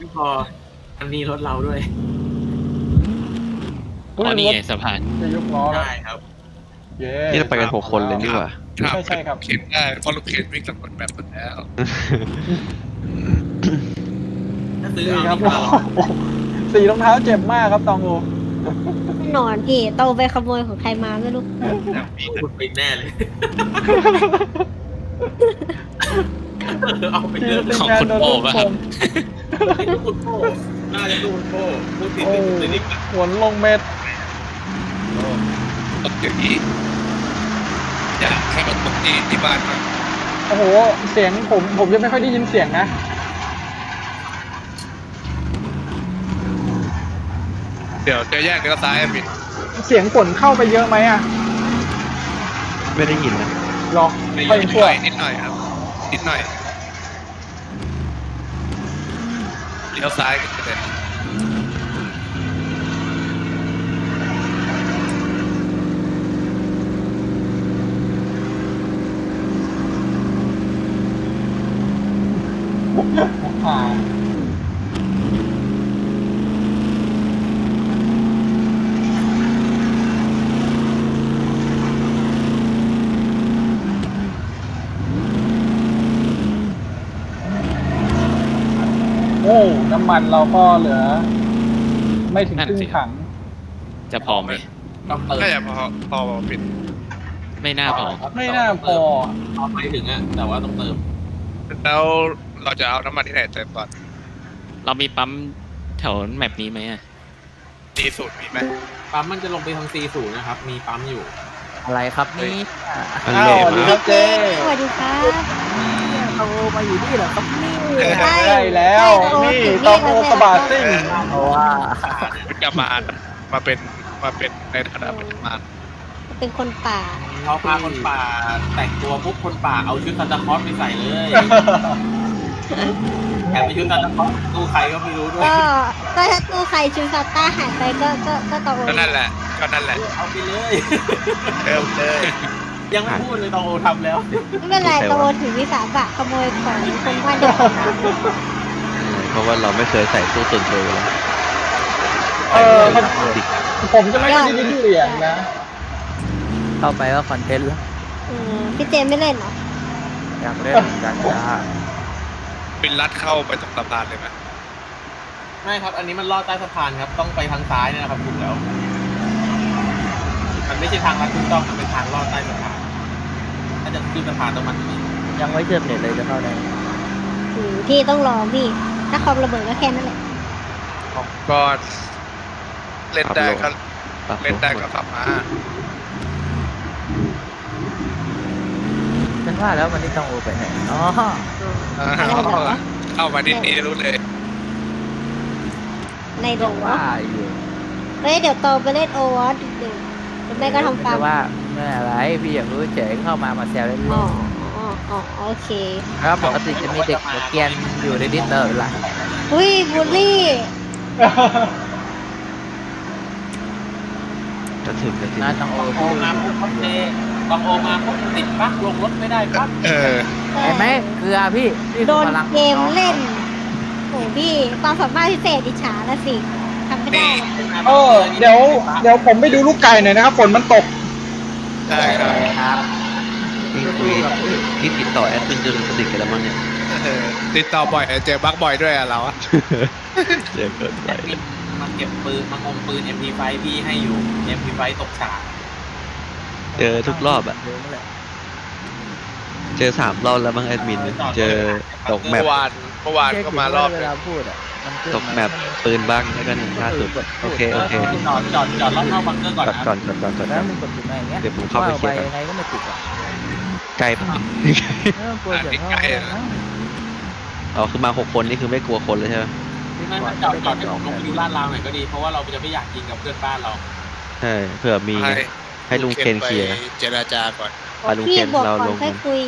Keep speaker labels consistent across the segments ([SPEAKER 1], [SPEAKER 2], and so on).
[SPEAKER 1] ไม่พออันนี้รถเราด้วย
[SPEAKER 2] อ๋อนี่ไงสะพาน
[SPEAKER 3] จะยกล้อแล้ว
[SPEAKER 1] ใช่ครับ
[SPEAKER 3] เย้
[SPEAKER 4] นี่เราไปกัน6 คนเลยนี่หว่า
[SPEAKER 3] ใช่ครับ
[SPEAKER 5] เข็นได้เพราะรถเข็นวิ่งสำรวจแบบหมดแล้ว
[SPEAKER 1] ถ้าซื้อ
[SPEAKER 3] นี่
[SPEAKER 1] เอา
[SPEAKER 3] ครับ
[SPEAKER 1] ดีกว่า
[SPEAKER 3] โอ้โหสีรองเท้าเจ็บมากครับตองโอ
[SPEAKER 6] หนอนพี่โตไปขโมยของใครมาไม่รู้
[SPEAKER 1] คุณไปแน่เลยเอาไปเลย
[SPEAKER 2] ของคุณโป้ป่ะครับ
[SPEAKER 1] คุณโป้น่าจะดูคุณโป้พูดติด
[SPEAKER 3] โอ้
[SPEAKER 1] ติดติด
[SPEAKER 3] หวนลงเม็ด
[SPEAKER 5] ตกอย่างนี้อยากให้มันตกที่บ้านมา
[SPEAKER 3] โอ้โหเสียงผมจะไม่ค่อยได้ยินเสียงนะ
[SPEAKER 5] เดี๋ยวจะแยกเลี้ยวซ้ายบิด
[SPEAKER 3] เสียงฝนเข้าไปเยอะไหมอ่ะ
[SPEAKER 4] ไม่ได้ยินนะ
[SPEAKER 3] หรอ
[SPEAKER 5] นิด
[SPEAKER 3] ค่อย
[SPEAKER 5] ห
[SPEAKER 3] ชั่ว
[SPEAKER 5] น่อยนิดหน่อยครับนิดหน่อยเลี้ยวซ้ายกันเลย
[SPEAKER 3] ผ่าโอ้น้ำมันเราก็เหลือ ไม่ถึงครึ่งถัง
[SPEAKER 2] จะพอไหม
[SPEAKER 1] ต้องเติม
[SPEAKER 5] น่าจะพอปิด
[SPEAKER 2] ไม่น่าพอ
[SPEAKER 3] ไม่น่าพอ
[SPEAKER 1] เอาไปถึงอ่ะแต่ว่าต้องเติม
[SPEAKER 5] แล้วเราจะเอาน้ำมันที่ไหนเติมก่อน
[SPEAKER 2] เรามีปั๊มแถวแมปนี้ไหมอะ
[SPEAKER 5] ดีสูตรมีไหม
[SPEAKER 1] ปั๊มมันจะลงไปทาง C0 นะครับมีปั๊มอยู่
[SPEAKER 7] อะไรครับนี่
[SPEAKER 4] อัน
[SPEAKER 3] อ้า
[SPEAKER 4] เละ
[SPEAKER 3] วสวัสดี
[SPEAKER 4] มา
[SPEAKER 3] ครั
[SPEAKER 4] ก
[SPEAKER 3] บเจ๊
[SPEAKER 6] สวัสดีครับ
[SPEAKER 7] โตมาอยู่นี่เหรอครับนี่
[SPEAKER 3] ได้แล้วนี่ตองโอกระบาดซิ่ง
[SPEAKER 7] เพราะว่า
[SPEAKER 5] เป็นกรรมานมาเป็นในฐานะเป็นกรรมาน
[SPEAKER 6] เป็นคนป่า
[SPEAKER 1] เขาพาคนป่าแต่งตัวปุ๊บคนป่าเอาชุดซานตาคลอสไปใส่เลยแถมไปชุดซานตาคลอสตู้ใครก็ไม่รู้ด้วย
[SPEAKER 6] ก็ถ้าตู้ใครชูซาต้าหายไปก็ตองโอ
[SPEAKER 5] ก็นั่นแหละก็นั่นแหละ
[SPEAKER 1] เอาไปเลย
[SPEAKER 5] เติมเลย
[SPEAKER 1] ยังไม่พูดเลยตองโอทำแล้ว
[SPEAKER 6] ไม่เป็นไรตองโอถือวิสาสะขโมยของคนบ้านเดียวกันนะ
[SPEAKER 4] เพราะว่าเราไม่เคยใส่ตู้ส่วนตัวเลย
[SPEAKER 3] เออผมจะไม่ค่อยได้ยินเสียงนะ
[SPEAKER 7] เข้าไปก็คอนเทนต์แล้ว
[SPEAKER 6] พี่เจมไม่เล่นเหรอ
[SPEAKER 7] อยากเล่นเหมือนกันจ้า
[SPEAKER 5] เป็นลัดเข้าไปตรงสะพานเลยไหม
[SPEAKER 1] ไม่ครับ อันนี้มันลอดใต้สะพานครับ ต้องไปทางซ้ายเนี่ยนะครับถูกแล้ว มันไม่ใช่ทางลัดถูกต้อง มันเป็นทางลอดใต้สะพาน ถ้าจะขึ้นสะพานต้องมันนี่
[SPEAKER 7] ยังไม่เชื่อมเน็ตเลยจะเข้าได้
[SPEAKER 6] พี่ต้องรอพี่ ถ้าคอมระเบิดก็แค่นั้นแหละ
[SPEAKER 5] ก็เล่นได้ก็
[SPEAKER 4] ปรับ
[SPEAKER 5] เล่นได้ก็ขับมา
[SPEAKER 7] ฉันว่าแล้ววันนี้ต้องโอไปไหนอ๋อ
[SPEAKER 5] เข้ามานิดนี้รู้เลย
[SPEAKER 6] ในโด
[SPEAKER 7] ว่าอยู่
[SPEAKER 6] เฮ้ยเดี๋ยวโตไปเล่นโอวอตดึกๆหรือไม่ก็ทำฟาร์ม
[SPEAKER 7] ว่าไม่อะไรพี่อยากรู้เฉยเข้ามาแซวเล่น
[SPEAKER 6] อ๋อโอเค
[SPEAKER 7] ๆแล้วปกติจะมีเด็กหัวเกรียนอยู่ในดิสเตอร์หลัง
[SPEAKER 6] อุ้ยบูลลี่
[SPEAKER 4] จะถึงจะถึง
[SPEAKER 7] น่าต้องโอ
[SPEAKER 1] โอมาปุ๊บเจตองโอมาปุ๊บติดปั๊กลงรถไม่ได้ปั๊บ
[SPEAKER 7] เห็นไหมเกลือพี่
[SPEAKER 6] โดนเกมเล่นโอ้พี่ความสามารถพิเศษอิจฉาละสิทำไม่ได้
[SPEAKER 3] เออเดี๋ยวผมไปดูลูกไก่หน่อยนะครับฝนมันตก
[SPEAKER 5] ได้ครับ
[SPEAKER 7] ครับ
[SPEAKER 4] ที่ติดต่อแอดมินจนสนิทกันแล้วมั้งเนี่ย
[SPEAKER 5] ติดต่อบ่อยเจอบั๊กบ่อยด้วยเราอะ
[SPEAKER 4] เดี๋ยวเกิดไป
[SPEAKER 1] มันเก็บปืนมันงมปืน MP5 พี่ให้อยู่ MP5 ตกฉาก
[SPEAKER 4] เจอทุกรอบอะเจอ3 รอบแล้วมั้งแอดมินเนี่ยเจอตกแม
[SPEAKER 5] เมื่
[SPEAKER 4] ป
[SPEAKER 5] อวานก็มารอบ
[SPEAKER 7] เว
[SPEAKER 5] นึง
[SPEAKER 7] ลาพูดอ่ะมันขึ้น
[SPEAKER 4] ตกแมปปืนบ้างแล้วกันล่าสุดโอเค
[SPEAKER 1] จอดรอบนอกบังเกอร์ก่อน
[SPEAKER 4] จอด
[SPEAKER 1] นะ
[SPEAKER 4] ก่อนจอดก่อนจอด
[SPEAKER 7] แล้
[SPEAKER 4] ก่
[SPEAKER 7] ว
[SPEAKER 4] อน
[SPEAKER 7] มึงกดอยู่ไหนเงี้ย
[SPEAKER 4] เดี๋ยวผมเข้าไปเคลียร์ก่อน
[SPEAKER 7] ยังไงก็ไม่ติดหรอก
[SPEAKER 4] ไกลปะ
[SPEAKER 7] กลัวเสียงเข้านะ
[SPEAKER 4] อ๋อคือมา6 คนนี่คือไม่กลัวคนเลยใช่ไหม
[SPEAKER 1] ไม่จอดให้ผมลงไปดูลาดราวหน่อยก็ดี เพราะว่าเราจะไม่อยากกินกับเพื่อนบ้านเรา
[SPEAKER 4] ใช่เผื่อมีให้ลุงเคนเคลียร์
[SPEAKER 5] เจรจาก่อน
[SPEAKER 4] ไปลุง
[SPEAKER 6] พี่
[SPEAKER 4] เคน
[SPEAKER 6] บอก
[SPEAKER 4] เรา
[SPEAKER 6] ก่อน
[SPEAKER 4] ลง
[SPEAKER 6] ค่อยคุย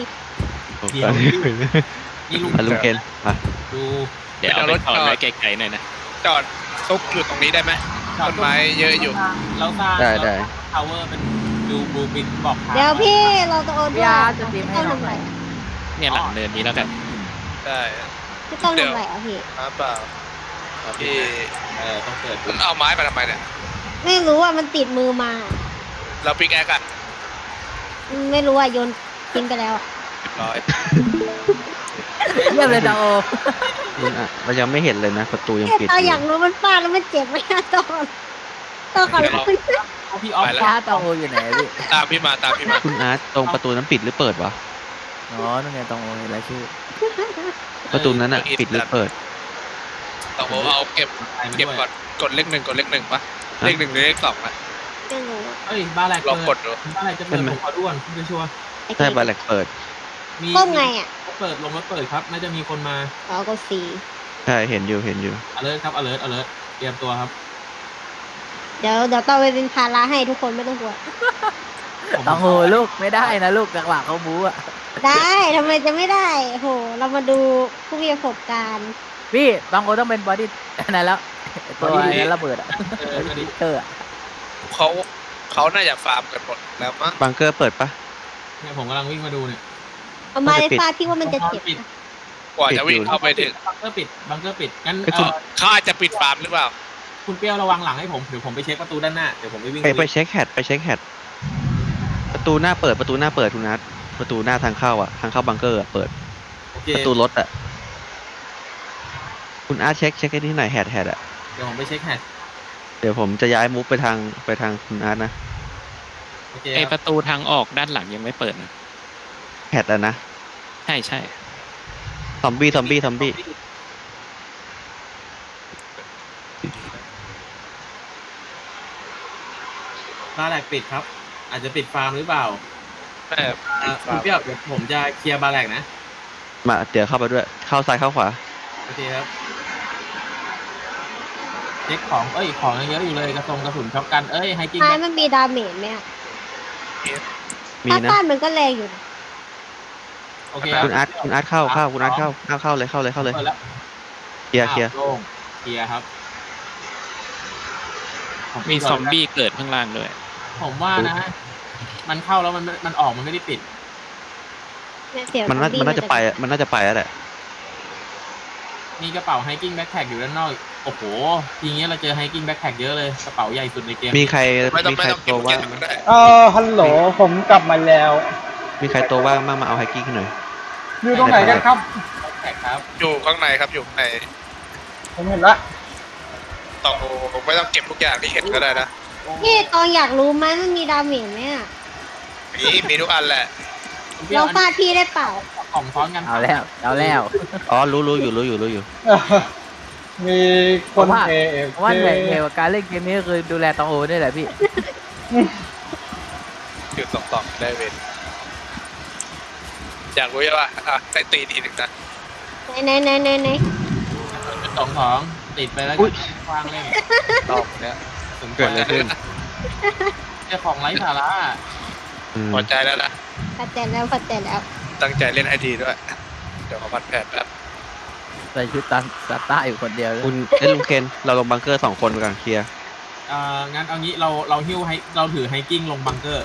[SPEAKER 1] นี่ลุง
[SPEAKER 4] ไปลุงเคนมา
[SPEAKER 1] ดู
[SPEAKER 2] เดี๋ยวเอาไปถอดไว้ไกลๆหน่อยนะ
[SPEAKER 5] จอดซุกอยู่ตรงนี้ได้ไหมต้นไม้เยอะอยู่
[SPEAKER 1] เราสร้าง
[SPEAKER 4] ได้
[SPEAKER 1] ทาวเวอร์เป็นดูบลูปินบอกทาง
[SPEAKER 6] เดี๋ยวพี่เราจะโอนด้วย
[SPEAKER 7] ยาจะตีมให้
[SPEAKER 6] ต้อง
[SPEAKER 7] น้อง
[SPEAKER 6] ทำ
[SPEAKER 7] ห
[SPEAKER 6] ไร
[SPEAKER 7] น่อย
[SPEAKER 2] เนี่ยหลังเนินนี้แล้วกัน
[SPEAKER 5] ได้
[SPEAKER 6] พี่ต้องทำไรอ่ะพี่
[SPEAKER 5] เปล่าที่
[SPEAKER 1] ต้องเปิด
[SPEAKER 5] มันเอาไม้มาทำไมเนี่ย
[SPEAKER 6] ไม่รู้อ่ะมันติดมือมา
[SPEAKER 5] เราปิกแอคอะ
[SPEAKER 6] ไม่รู้อ่ะโยนทิ้งไปแล้วอ่ะ
[SPEAKER 5] เรียบร้อย
[SPEAKER 7] เยี่ยมเลยตองโอ
[SPEAKER 4] คุณอาร์ตเรายังไม่เห็นเลยนะประตูยังปิด
[SPEAKER 6] เราอยากรู้มันฟาดแล้วมันเจ็บไหมอะตอนขอร้อง
[SPEAKER 1] พี่ออฟ
[SPEAKER 5] ไปแล้ว
[SPEAKER 7] ฟ้าตองโออยู่ไหนพี่
[SPEAKER 5] ตามพี่มาตามพี่มา
[SPEAKER 4] คุณอาร์ตตรงประตูนั้นปิดหรือเปิดวะ
[SPEAKER 7] อ๋อนั่นไงตองโอเห็นรายชื่อ
[SPEAKER 4] ประตูนั้นอะปิดหรือเปิด
[SPEAKER 5] ต้องบอกว่าเอาเก็บก่อนกดเลข 1กดเลข 1ปะเลข 1หรือเลข 2นะ
[SPEAKER 6] ไม่รู้อะ
[SPEAKER 1] เอ้ยบ้านแรก
[SPEAKER 5] ลองกดดู
[SPEAKER 1] บ้านแรกจะเปิดผมขอด้วนเพื่อชัวร์
[SPEAKER 6] ไอ้
[SPEAKER 4] ใช่บาแลกเปิด
[SPEAKER 1] มี
[SPEAKER 6] ก้มไงอ่ะ
[SPEAKER 1] เปิดลงแล้วเปิดครับน่าจะมีคนมา
[SPEAKER 6] อ๋อกดสี
[SPEAKER 4] ใช่เห็นอยู่
[SPEAKER 1] alert ครับ alert เตรียมตัวครับ
[SPEAKER 6] เดี๋ยวต่อไปเป็นภาระให้ทุกคนไม่ต้องกลัว
[SPEAKER 7] ตองโอลูกไม่ได้นะลูกจังหวะเขาบู๊อะ
[SPEAKER 6] ได้ทำไมจะไม่ได้โหเรามาดูผู้มีประสบการณ์
[SPEAKER 7] พี่ตองโอต้องเป็นบอดี้นั่นแล้วตัวไอ้นั้นระเบิดอะ
[SPEAKER 1] ก็ดี
[SPEAKER 7] เตอร์อะ
[SPEAKER 5] เขาน่าจะฟาร์มกันหมดแล้วมั้ง
[SPEAKER 4] บังเกอร์เปิดปะ
[SPEAKER 1] เนี่ยผมกำลังวิ่งมาดูเนี่ย
[SPEAKER 6] เอามาเลยฟาดพี่ว่ามันจะเจ็บ
[SPEAKER 1] ปิด
[SPEAKER 6] นะ
[SPEAKER 5] กว่าจะวิ่งเข้าไปถึง
[SPEAKER 1] บังเกอร์ปิดงั้น
[SPEAKER 5] เขาอาจจะปิดฟาร์มหรือเปล่า
[SPEAKER 1] คุณเปรี้ยวระวังหลังให้ผมเดี๋ยวผมไปเช็คประตูด้านหน้าเดี๋ยวผมไปวิ่ง
[SPEAKER 4] ไปเช็คแฮดประตูหน้าเปิดคุณอาร์ตประตูหน้าทางเข้าอะทางเข้าบังเกอร์อะเปิด
[SPEAKER 1] โอเค
[SPEAKER 4] ประตูรถอะคุณอาร์ตเช็คให้ที่ไหนแฮดอะ
[SPEAKER 1] เดี๋ยวผมไปเช็คแฮช
[SPEAKER 4] เดี๋ยวผมจะย้ายมูฟไปทางคุณอาร์ตนะ
[SPEAKER 1] โอเค
[SPEAKER 2] ไอ
[SPEAKER 1] ค
[SPEAKER 2] ป
[SPEAKER 1] รับ
[SPEAKER 2] ระตูทางออกด้านหลังยังไม่เปิดนะ
[SPEAKER 4] แฮดอะนะ
[SPEAKER 2] ใช่ใช่
[SPEAKER 4] ซอมบี้
[SPEAKER 1] บ้านแรกปิดครับ อาจจะปิดฟาร์มหรือเปล่า
[SPEAKER 5] แม่
[SPEAKER 1] คุณเปรี้ยวเดี๋ยวผมจะเคลียร์บาร์แรกนะ
[SPEAKER 4] มาเดี๋ยวเข้าไปด้วยเข้าซ้ายเข้าขวา
[SPEAKER 1] โอเคครับเช็คของของยังเยอะอยู่เลยกระสุนช็อปกันไฮกิ้ง
[SPEAKER 6] ท้ายมันมีดาเมจไหมอ่ะ
[SPEAKER 4] มี
[SPEAKER 6] ถ้า
[SPEAKER 4] นะ
[SPEAKER 6] ฟาดมันก็แรงอยู่นะ
[SPEAKER 1] โอเค
[SPEAKER 4] คุณอาร์ตเข้าคุณอาร์ตเข้าเลย
[SPEAKER 1] เปิดแล้ว
[SPEAKER 4] เคลียร์
[SPEAKER 1] โล่งเคลียร์ครับ
[SPEAKER 2] มีซอมบี้เกิดข้างล่างด้วย
[SPEAKER 1] ผมว่านะ มันเข้าแล้วมันออกมันไม่ได้ปิด
[SPEAKER 6] เนี่ยเสียง
[SPEAKER 4] มันน่า
[SPEAKER 6] ซอบี้
[SPEAKER 4] มันน่าจะไปแล้วแหละ
[SPEAKER 1] มีกระเป๋าไฮกิ้งแบ็คแพ็คอยู่ด้านนอกโอ้โหทีนี้เราเจอไฮกิ้งแบ็คแพ็คเยอะเลยกระเป๋าใหญ่สุดในเกม
[SPEAKER 4] มีใคร
[SPEAKER 5] ไม่ต้อง
[SPEAKER 4] ตัว
[SPEAKER 5] เก็
[SPEAKER 4] ว่าง
[SPEAKER 5] บก็ได้
[SPEAKER 3] ฮัลโหลผมกลับมาแล้ว
[SPEAKER 4] มีใครตัวว่างบ้างมาเอาไฮกิ้งให้หน่อย
[SPEAKER 3] อยู่ตรงไหนกันครับ
[SPEAKER 1] แพ็คครับ
[SPEAKER 5] อยู่ข้างในครับอยู่ใน
[SPEAKER 3] ผมเห็นละ
[SPEAKER 5] ต้องไม่ต้องเก็บทุกอย่างที่เห็นก็ได้นะ
[SPEAKER 6] พี่ตองอยากรู้ไหมมันมีดาเมจไหมอ่ะ
[SPEAKER 5] มีทุกอันแหละ
[SPEAKER 6] เราฟาดพี่ได้เปล่า
[SPEAKER 1] ของซ้อนกัน
[SPEAKER 7] เอาแล้ว
[SPEAKER 4] อ๋อรู้อยู่
[SPEAKER 3] มีคน
[SPEAKER 7] ผมว่า
[SPEAKER 3] AFK
[SPEAKER 7] เพราะว่าเหนื่อยกว่าการเล่นเกมนี้ก็คือดูแลตองโอนี่แหละพี่
[SPEAKER 5] จุด2ได้เว้นอยากรู้ใช่ป่ะได้ตีทีหนึ่งนะ
[SPEAKER 6] ไหน
[SPEAKER 1] ของติดไปแล้ววางเล่น
[SPEAKER 5] รอบเนี้ย
[SPEAKER 4] เกิดอะไรขึ้น
[SPEAKER 1] เจ้าของไร้สาระ
[SPEAKER 5] พอใจแล้วนะ
[SPEAKER 6] พัดแต่แล้ว
[SPEAKER 5] ตั้งใจเล่นให้ดีด้วย เดี๋ยวขอพัดแผนแบบ
[SPEAKER 7] ใส่ชุดตันซาต้าอยู่คนเดียวเลย
[SPEAKER 4] คุณลุงเคนเราลงบังเกอร์2 คนไปก่อนเคลียร์
[SPEAKER 1] งั้นเอางี้เราหิ้วให้เราถือไฮกิ้งลงบังเกอร์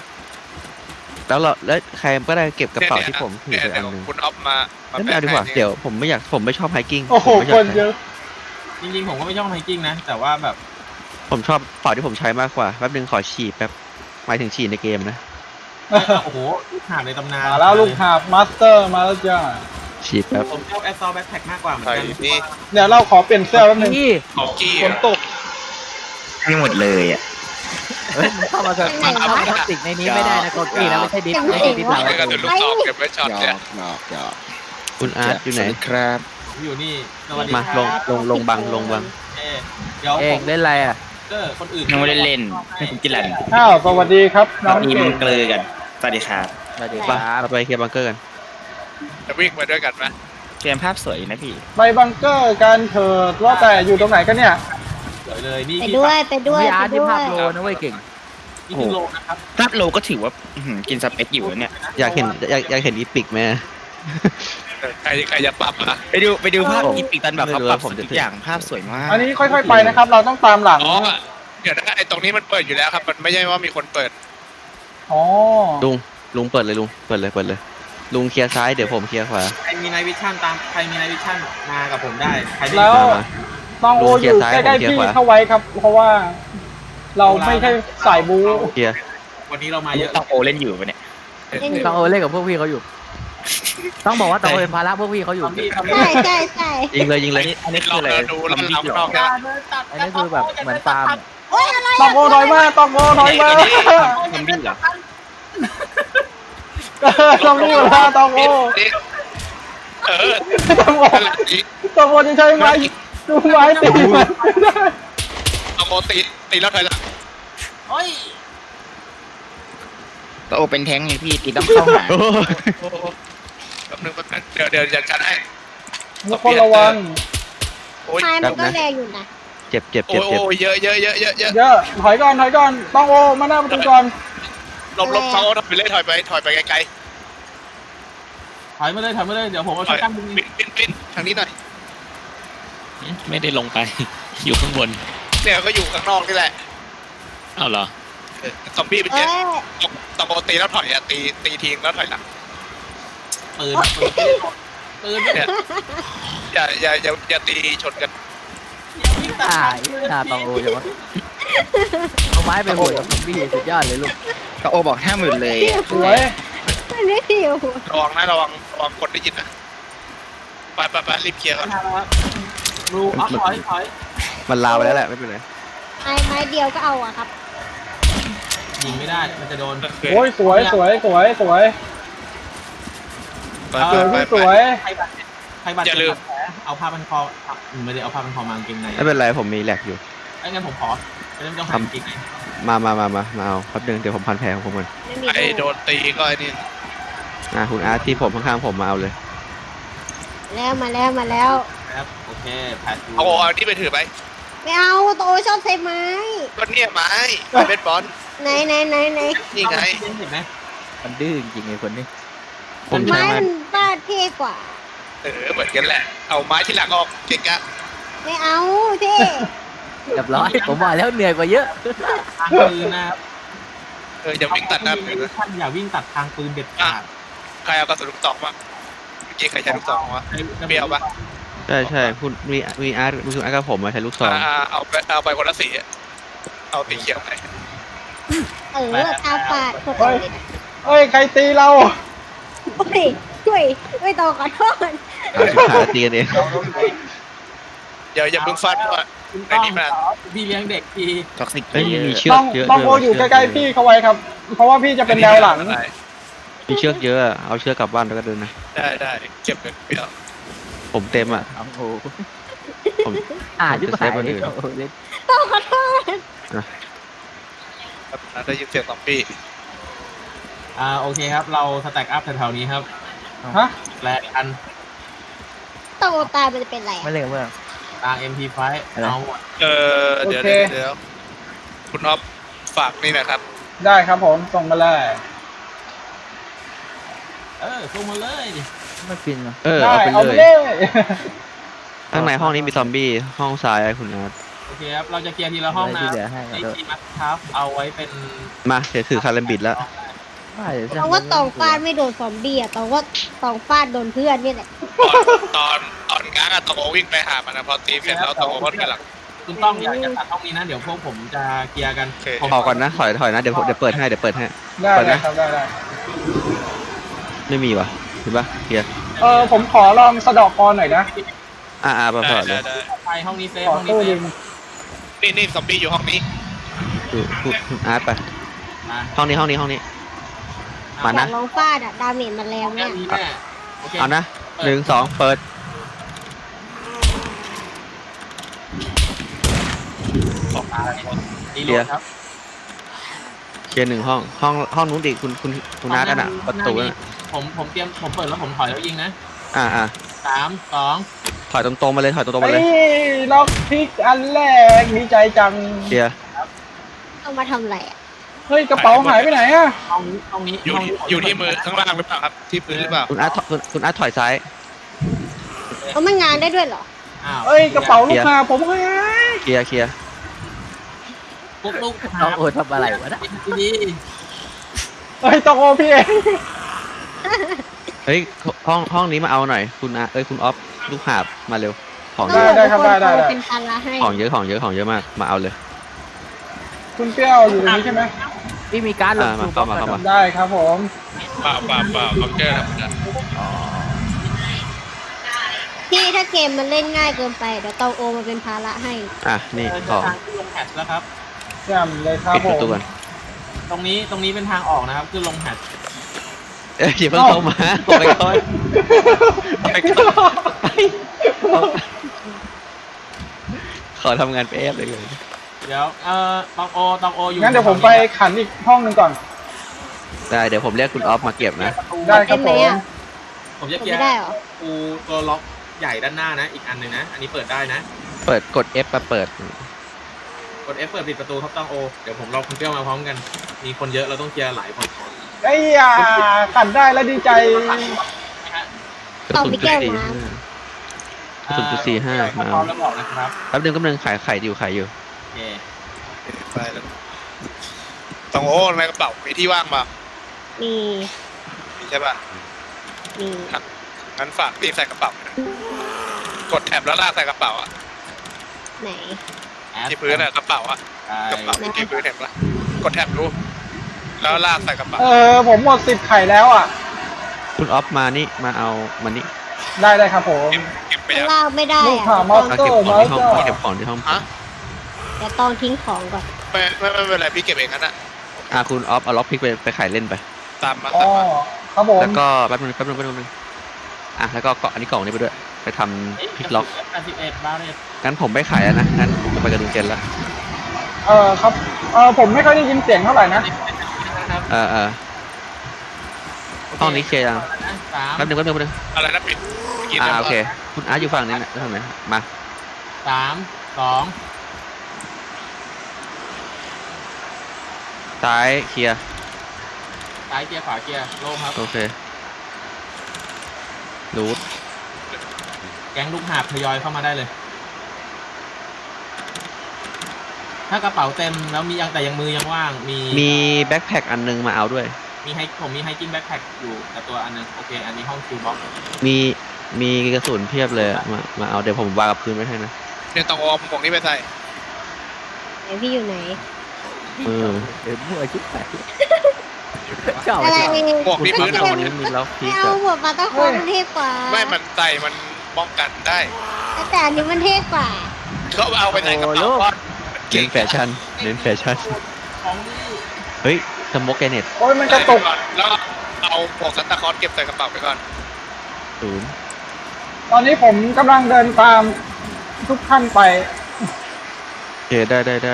[SPEAKER 4] แล้วใครก็ได้เก็บกระเป๋าที่ผมถือไปอัน
[SPEAKER 5] เดี๋ยว
[SPEAKER 4] หนึง
[SPEAKER 5] คุณออฟมา
[SPEAKER 4] ไม่เอาดีกว่าเดี๋ยวผมไม่ชอบไฮกิ้ง
[SPEAKER 3] โอ้โห
[SPEAKER 4] ผมไม่
[SPEAKER 3] ค
[SPEAKER 4] อยาก
[SPEAKER 3] นเยอะ
[SPEAKER 1] จริงๆผมก็ไม่ชอบไฮกิ้งนะ แต่ว่าแบบ
[SPEAKER 4] ผมชอบเป๋าที่ผมใช้มากกว่าแป๊บนึงขอฉีดแป๊บหมายถึงฉีดในเกมนะ
[SPEAKER 1] โอ้โหลูกหาบในตำนาน
[SPEAKER 3] มาแล้วลูกหาบมาสเตอร์มาแล้วจ้า
[SPEAKER 4] ฉีดแป๊บ
[SPEAKER 1] ผมชอบแอสซอลแบ็คแพ็คมากกว่าเหมือน
[SPEAKER 5] ใส่
[SPEAKER 1] กัน
[SPEAKER 5] นี่
[SPEAKER 3] เดี๋ยวเราขอเปลี่ยนเสื้อแป๊บนึง
[SPEAKER 7] พี่
[SPEAKER 5] ของกี้
[SPEAKER 3] ฝนตก
[SPEAKER 7] เฮ้ยมึงเข้ามาพลาสติกในนี้ไม่ได้นะโกกี้นะไม่ใช่ดิสไม่ใช่ดิสหลัง
[SPEAKER 5] ไม่กันเดี๋ยวลูกตอกเก็บไว้ช็อตเนี่ย
[SPEAKER 4] คุณอาร์ตอยู่ไหน
[SPEAKER 1] ผมอยู่นี่สวัสดี
[SPEAKER 4] มา
[SPEAKER 1] ครับ
[SPEAKER 4] ลงบัง
[SPEAKER 1] เดี๋ยว
[SPEAKER 7] เอ
[SPEAKER 1] ผ
[SPEAKER 7] ง
[SPEAKER 1] ม
[SPEAKER 7] เล่นอะไรอ่ะ
[SPEAKER 1] คนอื่น
[SPEAKER 8] ยังไม่ได้เล่นให้คุณกินแหลน
[SPEAKER 3] อ้าวสวัสดีครับน้อง
[SPEAKER 8] มี
[SPEAKER 3] เก่
[SPEAKER 8] มั
[SPEAKER 3] ง
[SPEAKER 8] นเกลือกัน สวัสดีครับ
[SPEAKER 7] สวัสดีค
[SPEAKER 4] ไป
[SPEAKER 7] รับ
[SPEAKER 4] เราไปเคลียร์บังเกอร์กัน
[SPEAKER 5] จะวิ่งไปด้วยกันไหม
[SPEAKER 8] เกมภาพสวยนะพี่
[SPEAKER 3] ไปบังเกอร์กันเถิดว่าแต่อยู่ตรงไหนกันเนี่ย
[SPEAKER 1] สวยเลยนี่
[SPEAKER 6] ไปด้วย
[SPEAKER 7] พี่อาร์ตที่ภาพโลนะเว้ยเก่ง
[SPEAKER 1] นี่คือโลนะครับ
[SPEAKER 8] ภาพโลก็ถือว่าอื้อหือกินสเปคอยู่นะเนี่ย
[SPEAKER 4] อยากเห็นอีพิกไหม
[SPEAKER 5] ใครจะปรับอ่ะ
[SPEAKER 8] ไปดูภาพ
[SPEAKER 4] ผม
[SPEAKER 8] อีปิกตันแบบเขา
[SPEAKER 4] ไม่รู้
[SPEAKER 8] ปรับ
[SPEAKER 4] ว่าผมจะ
[SPEAKER 8] ทุกอย่างภาพสวยมาก
[SPEAKER 3] อันนี้ค่อยๆไปนะครับ เราต้องตามหลัง
[SPEAKER 5] อ๋อเดี๋ยวนะไอ้ตรงนี้มันเปิดอยู่แล้วครับ มันไม่ใช่ว่ามีคนเปิด
[SPEAKER 3] อ๋อ
[SPEAKER 4] ลุงเปิดเลยเปิดเลยลุงเคลียร์ซ้ายเดี๋ยวผมเคลียร์ขวา
[SPEAKER 1] ใครมีไนวิชั่นมากับผมได้ใครที่
[SPEAKER 3] แล้ว
[SPEAKER 4] มา
[SPEAKER 3] ตองโออยู่ใกล้ๆพี่เข้าไว้ครับ เพราะว่าเราไม่ใช่สายบู๊
[SPEAKER 4] เคลียร์
[SPEAKER 1] วันนี้เรามาเยอะ
[SPEAKER 8] ต้องโอเล่นอยู่ปะเนี่ย
[SPEAKER 7] ต้องโอเล่นกับพวกพี่เขาอยู่ ต้องบอกว่าต้องโอเป็นภาระพวกพี่เขาอยู่
[SPEAKER 6] ใช่ใช่ใช่
[SPEAKER 4] ยิงเลยยิงเลย
[SPEAKER 8] อันนี้
[SPEAKER 5] เรา
[SPEAKER 8] คืออะไร
[SPEAKER 5] เราดูแล้วเรานอกนะ
[SPEAKER 7] อันนี้คือแบบเหมือนฟาร์มอะ
[SPEAKER 6] โอ๊ยอะไร
[SPEAKER 3] ตองโอน้อยมากตองโอน้อยมาก
[SPEAKER 8] ซอมบี้เหรอ
[SPEAKER 3] ตองโอนะตองโอ
[SPEAKER 5] เออ
[SPEAKER 3] ตองโอ
[SPEAKER 5] นั่นแหละนี่
[SPEAKER 3] ตองโอจะใช้ไม้ดูไม้ตีมัน
[SPEAKER 5] เอาโมตีแล้วถอยหลัง
[SPEAKER 1] โอ้ย
[SPEAKER 8] ต้องโอเป็นแท้งไงพี่ตีต้องเข้าหา
[SPEAKER 5] โอ้โหแป๊บนึงเดี๋ยวจัดการให้
[SPEAKER 3] ทุกคนระวัง
[SPEAKER 5] โอ้ย
[SPEAKER 6] ไม้มันก็แรงอยู่นะ
[SPEAKER 4] เจ็บเจ็บ
[SPEAKER 5] โอ้
[SPEAKER 4] เจ็บ
[SPEAKER 5] ย
[SPEAKER 4] เจ็บ
[SPEAKER 5] เยอะ
[SPEAKER 3] เยอะถอยก่อนตองโอมาหน้าประตูก่อน
[SPEAKER 5] หลบเขาถอยไปเลยถอยไปไกล
[SPEAKER 1] ถอยมาเลยเดี๋ยวผมเอา
[SPEAKER 5] ๆถ
[SPEAKER 1] ชุ
[SPEAKER 5] อ
[SPEAKER 1] ด
[SPEAKER 5] ย
[SPEAKER 1] ตั้งมือ
[SPEAKER 5] ปิ้นทางนี้หน่อย
[SPEAKER 2] ไม่ได้ลงไป อยู่ข้างบน
[SPEAKER 5] เนี่ยก็อยู่ข้างนอกนี่แหละ
[SPEAKER 2] อ้าวเหรอ
[SPEAKER 5] ซอมบี้เป็น
[SPEAKER 6] เอ้
[SPEAKER 5] เนี่ย
[SPEAKER 6] ย
[SPEAKER 5] ตะโกนตีแล้วถอยอ่ะตีทิ้งแล้วถอยหลัง
[SPEAKER 1] ปืนปืน
[SPEAKER 5] เนี่ยอย่าตีชนกัน
[SPEAKER 7] หน้าต้องโอจังวะเอาไม้ไปโหดกับซอมบี้สุดยอดเลยลูก
[SPEAKER 8] ต้องโอบอก50,000เลยอะ
[SPEAKER 3] สวย
[SPEAKER 6] มันไม่หิว
[SPEAKER 5] ระวังคนได้ยินนะไปรีบเคลียร์ก่อน
[SPEAKER 1] รูถอย
[SPEAKER 4] มันลาวไปแล้วแหละไม่เป็นไร
[SPEAKER 6] ไม้เดียวก็เอาอะครับ
[SPEAKER 1] ยิงไม่ได้มันจะโดน
[SPEAKER 3] โอ้ยสวย
[SPEAKER 5] ไป
[SPEAKER 3] พี่สวย
[SPEAKER 1] ใครบาดเจ็บแผลเอาผ้าพันคอไม่ได้เอาผ้าพันคอมากางเกงใน
[SPEAKER 4] ไม่เป็นไรผมมีแหลกอยู่
[SPEAKER 1] ไอ้งั้นผมขอไม่ต้องหากางเกงใน
[SPEAKER 4] มาเอาแป๊บนึงเดี๋ยวผมพันแผลของผมก่อน
[SPEAKER 6] ไม่มี
[SPEAKER 5] ไอ้โดนตีก็ไอ้นี่
[SPEAKER 4] คุณอาร์ตที่ผมข้างๆผมมาเอาเลย
[SPEAKER 6] แล้วมาแล้ว
[SPEAKER 1] ครับโอเคแผล
[SPEAKER 5] เอาที่ไปถือไป
[SPEAKER 6] ไม่เอาโตชอบใช้ไม้
[SPEAKER 5] ก็เนี่ยไม้เบสบอล
[SPEAKER 6] ไหน
[SPEAKER 5] นี่ไง
[SPEAKER 1] เห็นไหม
[SPEAKER 7] มันดื้อจริงๆไอ้คนนี้
[SPEAKER 4] ผมใช้
[SPEAKER 6] ไม้
[SPEAKER 4] ไม้
[SPEAKER 6] มันบ้าเท่กว่า
[SPEAKER 5] เหมือนกันแหละเอาไม้ที่หลังออกเก่งกะ
[SPEAKER 6] ไม่เอาเท่
[SPEAKER 7] เรียบร้อย ผมบอกแล้วเหนื่อยกว่าเยอะ
[SPEAKER 1] ทางปืนนะ
[SPEAKER 5] อย่าวิ่งตัดหน้าปืนนะ
[SPEAKER 1] ท่านอย่าวิ่งตัดทางปืนเด็ดขาด
[SPEAKER 5] ใครเอากระสุนลูกตองมาเมื่อกี้ใครใช้ลูกตองวะเปรี้ยวปะ
[SPEAKER 4] ใช่คุณมีอาร์ตคุณอาร์ตกับผมมาใช้ลูกซอง
[SPEAKER 5] เอาไปคนละสีเอาสีเขียวไป
[SPEAKER 6] ตาปาดคนอื่น
[SPEAKER 3] เอ้ยใครตีเรา
[SPEAKER 6] โอ้ยช่วยโตขอโทษ
[SPEAKER 4] หาตีกันเอง
[SPEAKER 5] อย่าเพิ่งฟันว่า
[SPEAKER 1] คุณต้องพี่เลี้ยงเด็กที
[SPEAKER 8] ท็อกซิก
[SPEAKER 4] เฮ้ย
[SPEAKER 8] เย
[SPEAKER 4] มี
[SPEAKER 8] อะ
[SPEAKER 4] เชือ
[SPEAKER 3] ต้
[SPEAKER 4] ก
[SPEAKER 3] อง
[SPEAKER 4] เยอะ
[SPEAKER 3] ต้องโออยู่ใกล้ๆพี่เข้าไว้ครับ เพราะว่าพี่จะเป็นแนวหลัง
[SPEAKER 4] มีเชือกเยอะเอาเชือกกลับบ้านแล้วก็เดินนะ
[SPEAKER 5] ได้เก็บเงินเปรี้ยว
[SPEAKER 4] ผมเต็มอ่ะ
[SPEAKER 7] โอ้โห
[SPEAKER 4] ผม
[SPEAKER 7] ยุบ
[SPEAKER 4] จะ
[SPEAKER 7] หา
[SPEAKER 4] เซฟ
[SPEAKER 7] ย
[SPEAKER 4] คนอื่น
[SPEAKER 7] โอ้โหเล่น
[SPEAKER 6] โตขอโทษ
[SPEAKER 5] ได้ยินเสียงซอมบี้
[SPEAKER 1] โอเคครับเราสแต็กอัพแถวๆนี้ครับ
[SPEAKER 3] ฮะ
[SPEAKER 1] แลกกัน
[SPEAKER 6] โตตายมันจะเป็นไร
[SPEAKER 7] ไม่เล่นกับเพื่อน
[SPEAKER 1] ตาง MP5 เอาหมด
[SPEAKER 5] เดี๋ยวคุณอ๊อฟฝากนี่นะครับ
[SPEAKER 3] ได้ครับผมส่งมาเลย
[SPEAKER 1] ส่งมาเลยดิ
[SPEAKER 7] ไม่ฟินเหรอ
[SPEAKER 3] ได้
[SPEAKER 4] เอาไป
[SPEAKER 3] เอา
[SPEAKER 4] เล
[SPEAKER 3] ไป
[SPEAKER 4] ย
[SPEAKER 3] เลย
[SPEAKER 4] ข้างในห้องนี้มีซอมบี้ห้องซ้ายคุณอาร์ต
[SPEAKER 1] โอเคครับเราจะเคลียร์ทีละห้องนะ
[SPEAKER 7] ที่เหลือให้
[SPEAKER 1] ไอ้
[SPEAKER 7] ก็
[SPEAKER 1] ทีมัสครับเอาไว้เป็น
[SPEAKER 4] มาเดี๋ยวถือคารัมบิดแล้ว
[SPEAKER 7] ได้เดี๋ยว
[SPEAKER 6] ตองว่าตองฟาดไม่โดนซอมบี้อะตองว่าตองฟาดโดนเพื่อนนี่แหละ
[SPEAKER 5] ตอนกลางอะตองโอวิ่งไปหามันนะพอตีเสร็จแล้วตองโอก็ถอยหลัง
[SPEAKER 1] คุณต้องอยากจะตัดห้องนี้นะเดี๋ยวพวกผมจะเคลียร์กัน
[SPEAKER 5] โอเค
[SPEAKER 1] ผม
[SPEAKER 4] ออกก่อนนะถอยนะเดี๋ยวเปิดให้เดี๋ยวเปิดให้
[SPEAKER 3] ได้
[SPEAKER 4] ก่อน
[SPEAKER 3] ได้
[SPEAKER 4] นะ
[SPEAKER 3] ครับได้
[SPEAKER 4] ไม่มีวะเห็นปะเคลียร์
[SPEAKER 3] ผมขอลองสะเดอกกรหน่อยนะ
[SPEAKER 4] ปะพอเลย
[SPEAKER 5] ได้
[SPEAKER 1] ไปห้องนี้เซฟ
[SPEAKER 3] ขอ
[SPEAKER 1] ห้องนี้
[SPEAKER 3] ตู้
[SPEAKER 1] เซ
[SPEAKER 3] ดิ
[SPEAKER 1] ฟ
[SPEAKER 3] ง
[SPEAKER 5] นี่ซอมบี้อยู่ห้องนี้
[SPEAKER 4] คุณอาร์ตไป
[SPEAKER 1] มา
[SPEAKER 4] ห้องนี้ มา
[SPEAKER 6] อยา
[SPEAKER 4] นะ
[SPEAKER 6] กลองฟาดอะดาเมจมันแรง
[SPEAKER 1] แค่
[SPEAKER 6] มาก
[SPEAKER 1] นี้แน่โอเค
[SPEAKER 4] เอานะ1 2 เปิด
[SPEAKER 1] ออกมาดีโหลดครับ
[SPEAKER 4] เคลียร์1 ห้องนู้นดิคุณอาร์ตน่ะประตูน่ะ
[SPEAKER 1] ผมเตรียมผมเปิดแล้วผมถอยแล้วยิงนะ 3 2
[SPEAKER 4] ถอยตรงๆมาเลยถอยตรงๆมาเลย
[SPEAKER 3] เฮ้ยล็อกพิกอันแรกดีใจจัง
[SPEAKER 4] เคลียร์
[SPEAKER 6] เอามาทำอะไรอะ
[SPEAKER 3] เฮ้ยกระเป๋าหายไปไหนอะ
[SPEAKER 1] ห้องนี้
[SPEAKER 5] อยู่ที่มือข้างล่างหรือเปล่าครับที่พื้นหรือเปล่า
[SPEAKER 4] คุณอาร์ตถอยซ้าย
[SPEAKER 6] เอามันงานได้ด้วยเหรอ
[SPEAKER 1] อ้าว
[SPEAKER 3] เอ้ยกระเป๋าลูกค้าผมหาย
[SPEAKER 4] เคลียร์
[SPEAKER 1] ปุ๊กลูก
[SPEAKER 7] น้องโอทำอะไรวะนะ
[SPEAKER 1] ดี
[SPEAKER 3] เอ้ยต้องโอพี่เอง
[SPEAKER 4] เฮ้ยห้องนี้มาเอาหน่อยคุณอาร์ตคุณออฟลูกหาบมาเร็วของ
[SPEAKER 6] ต้
[SPEAKER 4] เย
[SPEAKER 6] อง
[SPEAKER 4] อะ
[SPEAKER 3] ได้
[SPEAKER 6] บอก
[SPEAKER 3] ครับ
[SPEAKER 6] ทุกคน
[SPEAKER 3] ได้
[SPEAKER 6] โทร
[SPEAKER 3] ได้
[SPEAKER 6] เป็นภาระให้
[SPEAKER 4] ของเยอะของเยอะของเยอะมากมาเอาเลย
[SPEAKER 3] คุณเปรี้ยวอยู่ตรงนี้ใช่ไหม
[SPEAKER 7] พี่มีการดลง
[SPEAKER 4] มา
[SPEAKER 7] ทู
[SPEAKER 4] เข้า
[SPEAKER 7] บ็อก
[SPEAKER 4] มา
[SPEAKER 7] ซ์
[SPEAKER 4] เข้ามา
[SPEAKER 3] ได้ครับผม
[SPEAKER 5] เปล่าบังเกอร์ธรรมดา
[SPEAKER 7] อ๋อ
[SPEAKER 6] พี่ถ้าเกมมันเล่นง่ายเกินไปเดี๋ยวเตาโอมาเป็นภาระให้
[SPEAKER 4] อ่ะนี่
[SPEAKER 1] เดิน
[SPEAKER 4] ของ
[SPEAKER 1] ทางขึ้นลงแฮชแล้วครับ
[SPEAKER 3] แจ่มเลยครับ
[SPEAKER 4] ปิด
[SPEAKER 3] ผ
[SPEAKER 4] ประ
[SPEAKER 3] ม
[SPEAKER 4] ตูก่อน
[SPEAKER 1] ตรงนี้เป็นทางออกนะครับขึ้นลงแฮช
[SPEAKER 4] อย่าเพิ่งเข้ามาผมไปก่อนขอทำงานไปแอบเลย
[SPEAKER 1] เดี๋ยวตองโออยู่
[SPEAKER 3] งั้นเดี๋ยวผมไปขันอีกห้องหนึ่งก่อน
[SPEAKER 4] ได้เดี๋ยวผมเรียกคุณออฟมาเก็บนะ
[SPEAKER 3] ได้ครับผม
[SPEAKER 1] ผมจะ
[SPEAKER 6] ผม
[SPEAKER 1] เกีย
[SPEAKER 6] ไม่
[SPEAKER 1] ร์
[SPEAKER 6] ได้เหรอ
[SPEAKER 1] ปูตัวล็อกใหญ่ด้านหน้านะ อีกอันหนึ่งนะ อันนี้เปิดได้นะ
[SPEAKER 4] เปิดกด F มาเปิด
[SPEAKER 1] กด F เปิดปิดประตูครับตองโอเดี๋ยวผมรอคุณเปรี้ยวมาพร้อมกัน มีคนเยอะเราต้องเคลียร์หลายคนก่อน
[SPEAKER 3] ไอ้ยาขันได้แล้วดีใจ
[SPEAKER 4] กระสุนจุดสี่ห้ากระสุนจุด45มา
[SPEAKER 1] พร้อ
[SPEAKER 4] เอา
[SPEAKER 1] มแล้วบอกนะครับ
[SPEAKER 4] แป๊บนึงกำลังขายไข่อยู่
[SPEAKER 1] โอเค
[SPEAKER 5] ไปแล้วต้องโอ้ในกระเป๋ามีที่ว่างป่ะ
[SPEAKER 6] มี
[SPEAKER 5] มีใช่ป่ะ
[SPEAKER 6] มี
[SPEAKER 5] งั้นฝากพี่ใส่กระเป๋านะกดแท็บแล้วลากใส่กระเป๋าอะ
[SPEAKER 6] ไหน
[SPEAKER 5] ที่พื้นอะกระเป๋าอะกระเป๋าที่พื้นเห็นปะกดแท็บดูแล้วลากใส่กระเป๋า
[SPEAKER 3] ผมหมด10ไข่แล้วอ่ะ
[SPEAKER 4] คุณออฟมานี่มาเอามานี่
[SPEAKER 3] ได้ครับผม
[SPEAKER 5] เก็บไป
[SPEAKER 6] ข้าง
[SPEAKER 5] ยัง
[SPEAKER 6] ล่างไม่ได้
[SPEAKER 3] ลูก
[SPEAKER 6] อะ
[SPEAKER 3] ข่าวมอส
[SPEAKER 4] มา
[SPEAKER 3] เตอ
[SPEAKER 4] เก็บ
[SPEAKER 3] ร์
[SPEAKER 4] ข
[SPEAKER 3] ม
[SPEAKER 4] อง
[SPEAKER 3] อส
[SPEAKER 4] ที่ห้อง
[SPEAKER 3] เตอร์
[SPEAKER 4] มาเก็บของที่ห้อง
[SPEAKER 5] ฮะ
[SPEAKER 6] เดี๋ยวต้องทิ้งของก่อน
[SPEAKER 5] ไม่เป็นไรพี่เก็บเองงั้นอะ
[SPEAKER 4] คุณออฟเอาล็อกพิกไปขายเล่นไป
[SPEAKER 5] ตามมา
[SPEAKER 3] อ๋อ
[SPEAKER 5] ตามมา
[SPEAKER 3] ครับผม
[SPEAKER 4] แล้วก็แป๊บนึงแล้วก็เกาะอันนี้กล่องนี้ไปด้วย ไปทำพลิกล็อก
[SPEAKER 1] 81บาร์เรต
[SPEAKER 4] งั้นผมไม่ขายแล้วนะ งั้นผมจะไปกับลุงเจนแล้ว
[SPEAKER 3] ครับผมไม่ค่อยได้ยินเสียงเท่าไหร่นะ
[SPEAKER 1] นะครับ
[SPEAKER 4] ห้องนี้เคลียร์ยัง
[SPEAKER 1] สาม
[SPEAKER 4] แป๊บนึง
[SPEAKER 5] อะไรนะปิดกิน
[SPEAKER 4] โอเค คุณอาร์ตอยู่ฝั่งนี้นะทางไหนมา
[SPEAKER 1] สามสอง
[SPEAKER 4] ซ้ายเคลียร์
[SPEAKER 1] ซ้ายเกียร์ขวาเกียร์โล่งครับ
[SPEAKER 4] โอเครูท
[SPEAKER 1] แก๊งลูกหาบทยอยเข้ามาได้เลย ถ้ากระเป๋าเต็มแล้วมียังแต่ยังมือยังว่าง
[SPEAKER 4] มีแบ็คแพ็คอันนึงมาเอาด้วย
[SPEAKER 1] ผมมีไฮกิ้งแบ็คแพ็คอยู่แต่ตัวอันนึงโอเค อันนี้ห้องคิวบ็อก
[SPEAKER 4] มีกระสุนเพียบเลยอะมาเอาเดี๋ยวผมวางกับพื้นไว้ให้นะ
[SPEAKER 5] เนี่ยต้องเอาของนี้ไปใส่
[SPEAKER 6] ไหนพี่อยู่ไหน
[SPEAKER 7] เดินมั่วชิบหายเจ้า
[SPEAKER 6] อะไร
[SPEAKER 5] หมวกที่
[SPEAKER 4] คุ
[SPEAKER 5] พื้
[SPEAKER 4] ณ
[SPEAKER 5] น
[SPEAKER 4] เอา
[SPEAKER 5] อะ
[SPEAKER 4] วันนี้มีล็อกพิ
[SPEAKER 6] ไม่
[SPEAKER 4] ก
[SPEAKER 6] เอา
[SPEAKER 4] อะ
[SPEAKER 6] หัวปลาตะโคนมันเท่กว่า
[SPEAKER 5] ไม่มันใส่มันป้องกันได้
[SPEAKER 6] แต่อันนี้มันเท่กว่า
[SPEAKER 5] เขาเอาไปใส่กระเป๋าว่ามันเก่
[SPEAKER 4] เน้
[SPEAKER 5] ง
[SPEAKER 4] นแฟชั่น
[SPEAKER 1] ของดี
[SPEAKER 4] เฮ้ยสโมกแกเน็ต
[SPEAKER 3] โอ้ยมันกระตุก
[SPEAKER 5] แล้วเอาหมวกซันตาคลอสเก็บใส่กระเป๋าไปก่อน
[SPEAKER 3] ตอนนี้ผมกำลังเดินตามทุกท่านไป
[SPEAKER 4] โอเคได้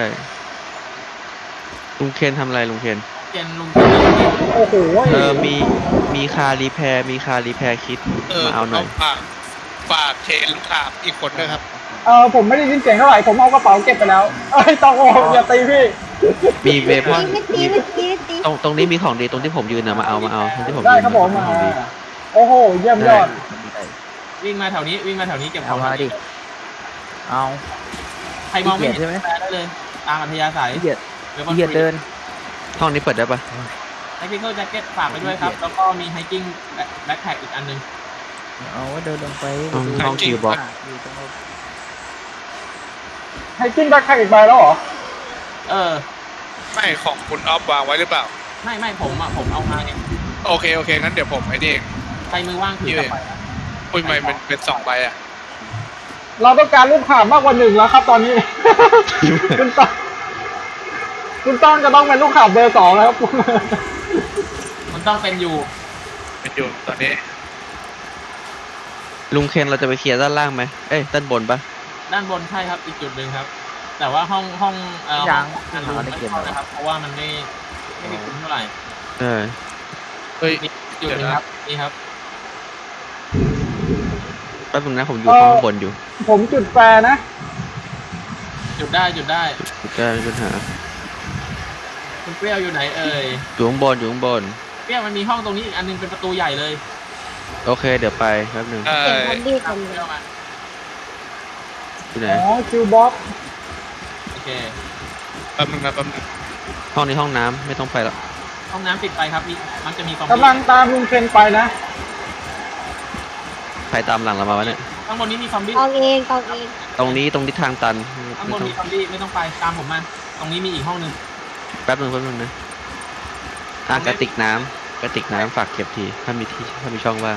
[SPEAKER 4] ลุงเคนทำอะไรลุงเคน
[SPEAKER 1] เจนลุง
[SPEAKER 3] โอ้โห
[SPEAKER 4] มีคารีแพร์คิดมาเอาหน่อย
[SPEAKER 5] ฝากเชนลูกค้าอีกคนด้วยครับ
[SPEAKER 3] ผมไม่ได้ยินเสียงเท่าไหร่ ผมเอากระเป๋าเก็บไปแล้วตองโออย่าตีพี่
[SPEAKER 4] มีเวพอน
[SPEAKER 6] ไม่ตีไม่ตีไม่ตี
[SPEAKER 4] ตรงนี้มีของดีตรงที่ผมยืนนะมาเอาตรงที่ผม
[SPEAKER 3] ได้
[SPEAKER 4] ยืน
[SPEAKER 3] ครับผม
[SPEAKER 4] ของดี
[SPEAKER 3] โอ้โห เยี่ยมยอด
[SPEAKER 1] วิ่งมาแถวนี้เก็บข
[SPEAKER 7] เอา
[SPEAKER 1] อง
[SPEAKER 7] มาดิ เอา
[SPEAKER 1] ใครมองไม่
[SPEAKER 7] ขี้เกียจใช่ไหม
[SPEAKER 1] เห็นแปลได้เลย ตามอัธยาศัย
[SPEAKER 7] เหยียด
[SPEAKER 1] เดี๋ยว
[SPEAKER 7] เหยียดเดิน
[SPEAKER 4] ห้องนี้เปิดได้ปะ
[SPEAKER 1] ไฮกิ้งแจ็คเก็ตฝากไปด้วยครับ แล้วก็มีไฮกิ้งแบ็คแพ็คอีกอันนึง
[SPEAKER 7] เอาไว้เดินลงไป
[SPEAKER 4] ห้องคิวบ็อก
[SPEAKER 7] อยู่ตรงนั้น
[SPEAKER 3] ให้กินแบ็คแพ็คอีกใบแล้วเหรอ
[SPEAKER 5] ไม่ของคุณออฟวางไว้หรือเปล่า
[SPEAKER 1] ไม่ผมเอามาเนี่ย
[SPEAKER 5] โอเคงั้นเดี๋ยวผมไอ้นี่เอง
[SPEAKER 1] ใครมือว่างถือกลับไป
[SPEAKER 5] อุ้ยไม่เป็น2 ใบอะ
[SPEAKER 3] เราต้องการลูกข่ามากกว่า1แล้วครับตอนนี้ คุณต้อนจะต้องเป็นลูกข่าเบอร์2แล้วครับ
[SPEAKER 1] มันต้องเป็นอยู่
[SPEAKER 5] เป็นอยู่ตอนนี้
[SPEAKER 4] ลุงเคนเราจะไปเคลียร์ด้านล่างไหมด้านบนปะ
[SPEAKER 1] ด้านบนใช่ครับอีกจุดหนึ่งครับ แต่ว่าห้องห้อง
[SPEAKER 7] ยัง
[SPEAKER 1] อันรูมไม่เข้านะครับ เพราะว่ามันไม่ได้คุ้มเท่าไหร่
[SPEAKER 5] เฮ้ย
[SPEAKER 1] มีจุดหนึ่งครับนี่ครับ
[SPEAKER 4] แป๊บนึงนะผมอยู่ห้องบนอยู่
[SPEAKER 3] ผมจุดแฟร์นะ
[SPEAKER 1] จุดได้
[SPEAKER 4] ไม่มีปัญหา
[SPEAKER 1] คุณเปรี้ยวอยู่ไหนเอ่ย
[SPEAKER 4] อยู่ข้างบน
[SPEAKER 1] เปรี้ยวมันมีห้องตรงนี้อีกอันนึงเป็นประตูใหญ่เลย
[SPEAKER 4] โอเคเดี๋ยวไปแป๊บนึง
[SPEAKER 6] เสียงซอมบี้ทำ
[SPEAKER 1] เป
[SPEAKER 6] เล
[SPEAKER 1] รี้ย
[SPEAKER 6] ยว
[SPEAKER 1] มา
[SPEAKER 4] ที่ไหน
[SPEAKER 3] อ๋อ คิวบ็อก
[SPEAKER 1] โอเค
[SPEAKER 5] แป๊บนึง
[SPEAKER 4] ห้องนี้ห้องน้ำไม่ต้องไปแล้ว
[SPEAKER 1] ห้องน้ำปิดไปครับมันจะมีซอมบี้
[SPEAKER 3] กำลังตามลุงเคนไปนะ
[SPEAKER 4] ใครตามหลังเรามาวะเนี่ย
[SPEAKER 1] ผข้างบนนี้มีซอมบี้
[SPEAKER 6] ตองเองตองเอง
[SPEAKER 4] ตรงนี้ทางตัน
[SPEAKER 1] ข้างบ
[SPEAKER 4] ไม่
[SPEAKER 1] น
[SPEAKER 4] ต้อง
[SPEAKER 1] มีซอมบี้ไม่ต้องไปตามผมมาตรงนี้มีอีกห้องหนึง
[SPEAKER 4] แป๊บนึงนะกระติกน้ำฝากเก็บทีถ้ามีช่องว่าง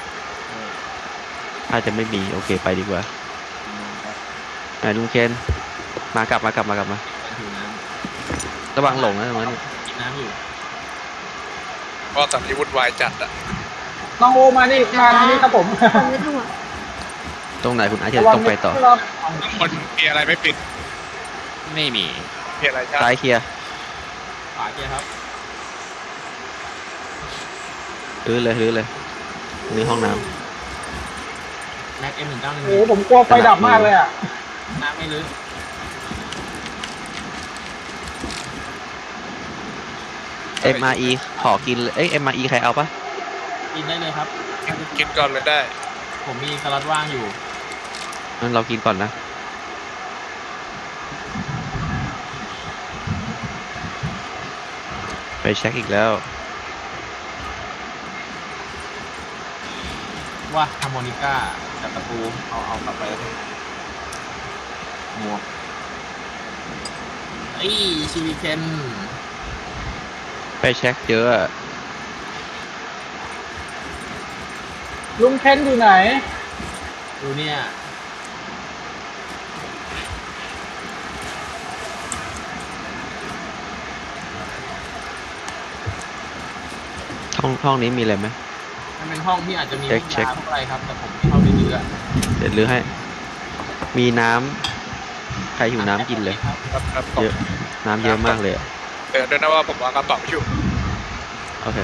[SPEAKER 4] ถ้าจะไม่มีโอเคไปดีกว่าไหนลุงเคนมากลับมา
[SPEAKER 1] ถือน้
[SPEAKER 4] ระวังหลงนะตรงนั้น
[SPEAKER 1] ำกินน้ำอยู่
[SPEAKER 5] ก็ตอนนี้วุ่นวายจัดอ่ะ
[SPEAKER 3] น้องโอมานี่ครับผม
[SPEAKER 6] คนไม่ต้องห่วง
[SPEAKER 4] ตรงไหนคุณอาจจะต้องไปต่อ
[SPEAKER 5] ข้างบนมีอะไรไม่ปิด
[SPEAKER 2] ไม่มี
[SPEAKER 5] มีอะไรจ้า
[SPEAKER 4] ซ้ายเคลียร์
[SPEAKER 1] ขวาเกียร์ครับ
[SPEAKER 4] รื้อเลยนี่ห้องน้
[SPEAKER 1] แม็กM191
[SPEAKER 3] โอ้ผมกลัวไฟดับมากเลยอ่ะ
[SPEAKER 1] น้ำไม่ลึก
[SPEAKER 4] ำ MRE ขอกินเลยMRE ใครเอาปะ
[SPEAKER 1] กินได้เลยครับ
[SPEAKER 5] กินก่อนเลยได้
[SPEAKER 1] ผมมีสล็อตว่างอยู่
[SPEAKER 4] งั้นเรากินก่อนนะไปเช็คอีกแล้ว
[SPEAKER 1] ว่าฮาร์โมนิก้ากับตะปูเอากลับไปแล้วหมวกไอ้ชิวิเคน
[SPEAKER 4] ไปเช็คเยอะอะ
[SPEAKER 3] ลุงเคนอยู่ไหน
[SPEAKER 1] ดูเนี่ย
[SPEAKER 4] ห้องนี้มีอะไรไหม
[SPEAKER 1] มันเป็นห้องที่อาจจะมี
[SPEAKER 4] เช็ค
[SPEAKER 1] ห้องน้ำอะไรครับแต่ผมไม่เข้าไปเยอะ
[SPEAKER 4] เดี๋ยวรื้อให้ มีน้ำใครหิวน้ำกินเลย
[SPEAKER 5] ครับ
[SPEAKER 4] เยอะ น้ำเยอะมากเลยอะ
[SPEAKER 5] เตือนด้วยนะว่าผมวางกระเป๋าอยู่
[SPEAKER 4] โอเค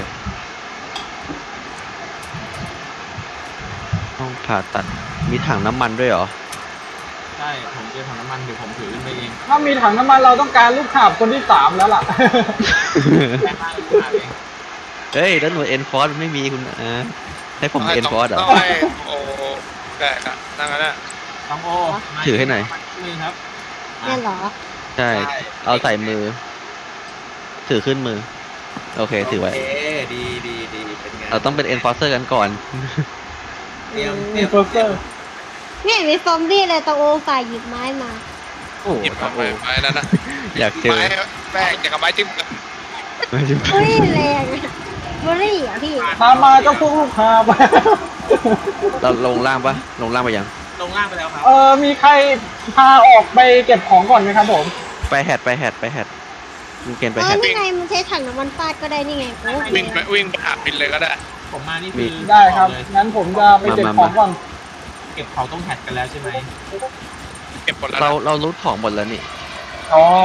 [SPEAKER 4] ห้องผ่าตัด มีถังน้ำมันด้วยเหรอ
[SPEAKER 1] ใช่ผมเจอถังน้ำมันเดี๋ยวผมถือขึ้นไปเอง
[SPEAKER 3] ถ้ามีถังน้ำมันเราต้องการลูกหาบคนที่ 3 แล้วล่ะ
[SPEAKER 1] แม่บ้านลูกหาเอง
[SPEAKER 4] เฮ้ย แล้วหน่วยเอ็นฟอร์ไม่มีคุณให้ผมเอ็นฟอร์เหรอ
[SPEAKER 5] ต้องให้โอ้ได้ครับนั่งกันนะ
[SPEAKER 1] ต้องโอมา
[SPEAKER 4] ถือให้หน่อย
[SPEAKER 1] มือครับ
[SPEAKER 6] แน่เหรอ
[SPEAKER 4] ใช่ เอาใส่มือ ถือขึ้นมือ โอเค ถือไว้
[SPEAKER 7] ดีเป็นไง
[SPEAKER 4] เราต้องเป็นเอ็นฟอร์เซอร์กันก่อน
[SPEAKER 7] เตรียม
[SPEAKER 3] มีเฟอร์เซอร์
[SPEAKER 6] นี่มีซอมบี้เลยตองโอฝ่ายหยิบไม้มา
[SPEAKER 4] โอ้
[SPEAKER 5] หยิบมาไม้นั้นนะ
[SPEAKER 4] อยากเจอ
[SPEAKER 5] ไม้แป้งอย่างกับไม้จิ้ม
[SPEAKER 6] อุ้ยแรงอะบุรี่อ่ะพี่
[SPEAKER 3] ตามมาเจ้าพวกลูกหาบ
[SPEAKER 4] เราลงล่างปะลงล่างไปยัง
[SPEAKER 1] ลงล่างไปแล้วครับ
[SPEAKER 3] มีใครพาออกไปเก็บของก่อนไหมครับผม
[SPEAKER 4] ไปแฮดลุงเกณฑ์ไปแฮด
[SPEAKER 6] นี่ไงมันใช้ถังน้ำมันฟาดก็ได้นี่ไงโอ้โห
[SPEAKER 5] วิ่งไปหาบินเลยก็ได้
[SPEAKER 1] ผมมานี่คือ
[SPEAKER 3] ได้ครับ
[SPEAKER 1] เลย
[SPEAKER 3] งั้นผมจะไปเก็บของก่อน
[SPEAKER 1] เก็บของต้องแฮดกันแล้วใช่ไหม
[SPEAKER 5] เก็บหมดแล้ว
[SPEAKER 4] เรารู้ของหมดแล้วนี่
[SPEAKER 3] อ๋อ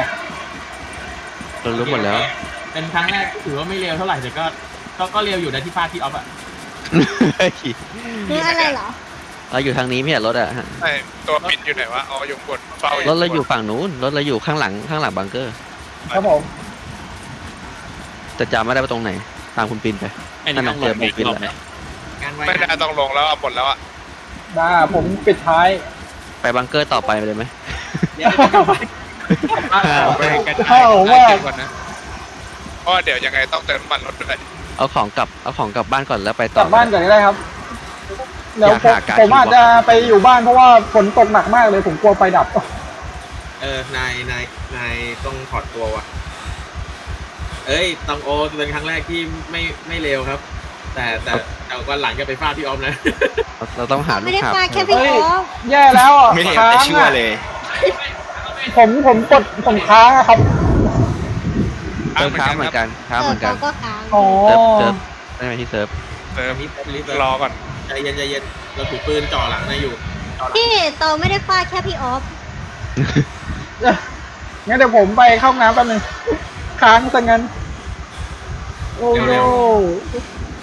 [SPEAKER 4] เรารู้หมดแล้ว
[SPEAKER 1] เป็นครั้งแรกที่ถือว่าไม่เร็วเท่าไหร่แต่ก็เร็วอยู่นะที่ฟาดที่ออฟอะ
[SPEAKER 6] คืออะไรเหรอ
[SPEAKER 4] เราอยู่ทางนี้ไม่ใช่รถอะฮะ
[SPEAKER 5] ไอ้ตัวปิดอยู่ไหนวะอ๋ออยู่บนเฝ้าร
[SPEAKER 4] ถเราอยู่ฝั่งนู้นรถเราอยู่ข้างหลังบังเกอร์
[SPEAKER 3] ครับผม
[SPEAKER 4] แต่จำไม่ได้ว่าตรงไหน ตามคุณปินไป
[SPEAKER 2] อันนี้ต้องลงอีกรอบไหม
[SPEAKER 7] งานไว้
[SPEAKER 5] ไม่ได้ต้องลงแล้วหมดแล้วอ่ะ
[SPEAKER 3] ได้ผมปิดท้าย
[SPEAKER 4] ไปบังเกอร์ต่อไปเลยไหม
[SPEAKER 7] เดี๋ยวกลับไป
[SPEAKER 5] ไปกระ
[SPEAKER 3] เข้า
[SPEAKER 5] จาย
[SPEAKER 3] ว่า
[SPEAKER 5] เก็บก่อนนะเพราะเดี๋ยวยังไงต้องเติมน้ำมันรถด้วย
[SPEAKER 4] เอาของกลับบ้านก่อนแล้วไป
[SPEAKER 3] ก
[SPEAKER 4] ต่อ
[SPEAKER 3] ลับบ้านก่อนก็ได้ครับเดี๋ยว
[SPEAKER 4] อยากหาการ
[SPEAKER 3] ผมอาจจะไปอยู่บ้านเพราะว่าฝนตกหนักมากเลยผมกลัวไฟดับ
[SPEAKER 7] นายต้องถอดตัวว่ะเอ้ยตองโอเป็นครั้งแรกที่ไม่เร็วครับ แต่วันหลังจะไปฟาดพี่ออฟนะ
[SPEAKER 4] เราต้องหาลู
[SPEAKER 6] ไม่
[SPEAKER 4] ก
[SPEAKER 6] ได้
[SPEAKER 4] ค้า
[SPEAKER 6] ฟาดแค่พี่
[SPEAKER 3] เฮ้ย
[SPEAKER 6] ออฟ
[SPEAKER 3] แย่แล้วอ่ะ
[SPEAKER 8] ไม่เห็น
[SPEAKER 3] ค้าง
[SPEAKER 8] แต่ชั่ว
[SPEAKER 3] อ่ะ
[SPEAKER 8] เลย
[SPEAKER 3] ผมกดผมค้างอะครับ
[SPEAKER 4] เติมค้าเหมือนกันค้าเหมือนกัน
[SPEAKER 6] ก็ค้าง
[SPEAKER 3] อ๋อ
[SPEAKER 4] เซิร์ฟได้ไหมที่เซิร์ฟ
[SPEAKER 5] เติม
[SPEAKER 7] รีบ
[SPEAKER 5] รอก่อน
[SPEAKER 7] ใจเย็นเราถือปืนจ่อหลังนายอยู่
[SPEAKER 6] พี่โตไม่ได้ฟาดแค่พี่ออฟ
[SPEAKER 3] งั้นเดี๋ยวผมไปเข้าห้องน้ำแป๊บนึงค้างซะงั้น โอ้โห